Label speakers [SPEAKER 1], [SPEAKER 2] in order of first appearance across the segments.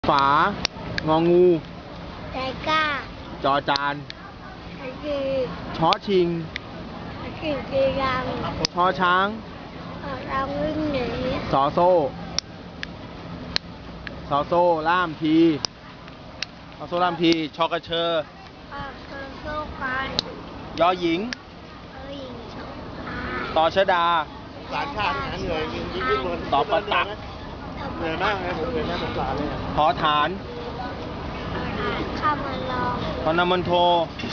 [SPEAKER 1] ฝางองู
[SPEAKER 2] ใจกล้า
[SPEAKER 1] จอจาน
[SPEAKER 2] จี
[SPEAKER 1] ช้อชิง
[SPEAKER 2] จีรัง
[SPEAKER 1] ชอช้าง
[SPEAKER 2] เราวิ่งหนี
[SPEAKER 1] สอโซ่สอโซ่ล่ามทีสอโซ่ล่ามทีชอกระเชอ
[SPEAKER 2] โซ่กัน
[SPEAKER 1] ยอหญิง
[SPEAKER 2] หญิงโซ่
[SPEAKER 1] ตอชดา
[SPEAKER 3] สารชาตินะเหนื่อยยิ่งบน
[SPEAKER 1] ตอประตัก
[SPEAKER 3] เหนื่อยมากเลยผมเหนื่อยมากสงสารเลย
[SPEAKER 1] ทอฐาน
[SPEAKER 2] ข้ามาลอง
[SPEAKER 1] ตอนนมันโท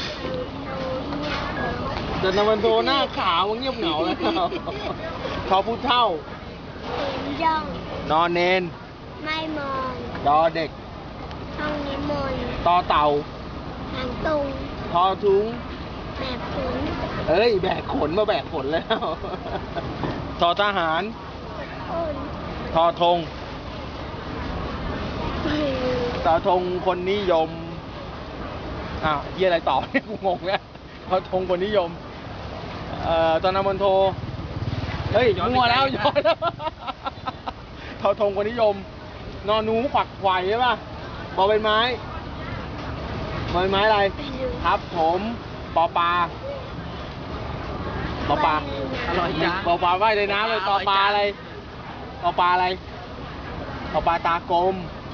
[SPEAKER 1] เดินนมันโทหน้าขาวเงียบเหงาแล้วทอผู้เท่า
[SPEAKER 2] เห็นย่อง
[SPEAKER 1] นอนเนน
[SPEAKER 2] ไม่มอง
[SPEAKER 1] ดอเด็ก
[SPEAKER 2] ห้องนิมนต์
[SPEAKER 1] ตอเต่า
[SPEAKER 2] หางตุง
[SPEAKER 1] ทอทุ้ง
[SPEAKER 2] แม่ขุน
[SPEAKER 1] เอ้ยแบกขนมาแบกขนแล้ว ทอทหาร
[SPEAKER 2] อ้น
[SPEAKER 1] ทอธงทอธงคนนิยมยี่อะไรต่อเนี่ยกูงงแล้วทอธงคนนิยมตอนนำมนโทเฮ้ยมั่วแล้วย้อนแล้วทอธงคนนิยม นอนหนูขวักไขว่ใช่ป่ะบอใบไม้บอใบไม้อะไรครับผมปอปลาปอปลาอร่อยจ้ะปอปลาว่ายในน้ำเลยปอปลาอะไรปอปลาอะไรปอปลาตากลม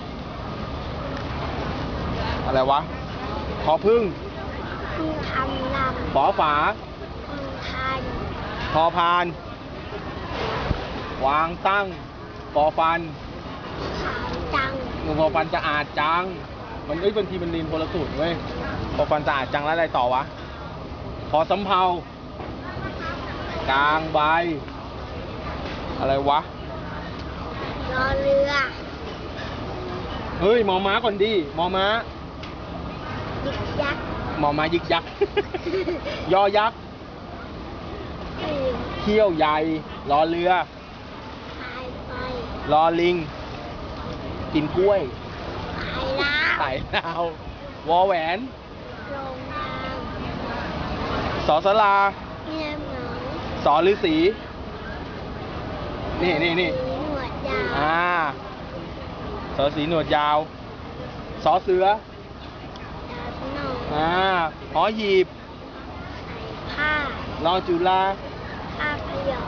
[SPEAKER 1] อะไรวะขอพึ่ง
[SPEAKER 2] พึ่งทำลำ
[SPEAKER 1] ฝอฝา
[SPEAKER 2] พึ่งทัน
[SPEAKER 1] พอพาน วางตั้งปอฟัน
[SPEAKER 2] ขาวจัง
[SPEAKER 1] พอฟันจะอาดจังมันบางทีมันเรียนคนละสูตรเว้ยพอฟันจะอาดจังแล้วอะไรต่อวะพอสำเภากลางใบอะไรวะ
[SPEAKER 2] รอเรือ
[SPEAKER 1] เฮ้ยหมอม้าก่อนดีหมอม้า
[SPEAKER 2] ยึกยักษ์
[SPEAKER 1] หมอม้ายึกยักษ์ ยอยักษ์
[SPEAKER 2] ตื่น
[SPEAKER 1] เขี้ยวใหญ่รอเรือ
[SPEAKER 2] ตายไป
[SPEAKER 1] รอลิง กินกล้วย
[SPEAKER 2] ตายแล้ว
[SPEAKER 1] ไต่ดาว วอแหวน
[SPEAKER 2] โรงงาน
[SPEAKER 1] สอสลา
[SPEAKER 2] เงียบเหงา
[SPEAKER 1] สอฤาษีนี่
[SPEAKER 2] หนวดยาว
[SPEAKER 1] สอสีหนวดยาว สอเสือ
[SPEAKER 2] ดาวหนอง
[SPEAKER 1] หอหีบ
[SPEAKER 2] ผ้าร
[SPEAKER 1] อจุฬา
[SPEAKER 2] ผ้าพยอง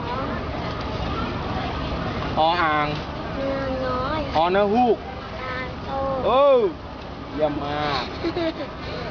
[SPEAKER 1] ออ่าง
[SPEAKER 2] เนื้อน้อย
[SPEAKER 1] อนะฮูก
[SPEAKER 2] ตาโต
[SPEAKER 1] โอ้เยี่ยมมาก
[SPEAKER 2] เ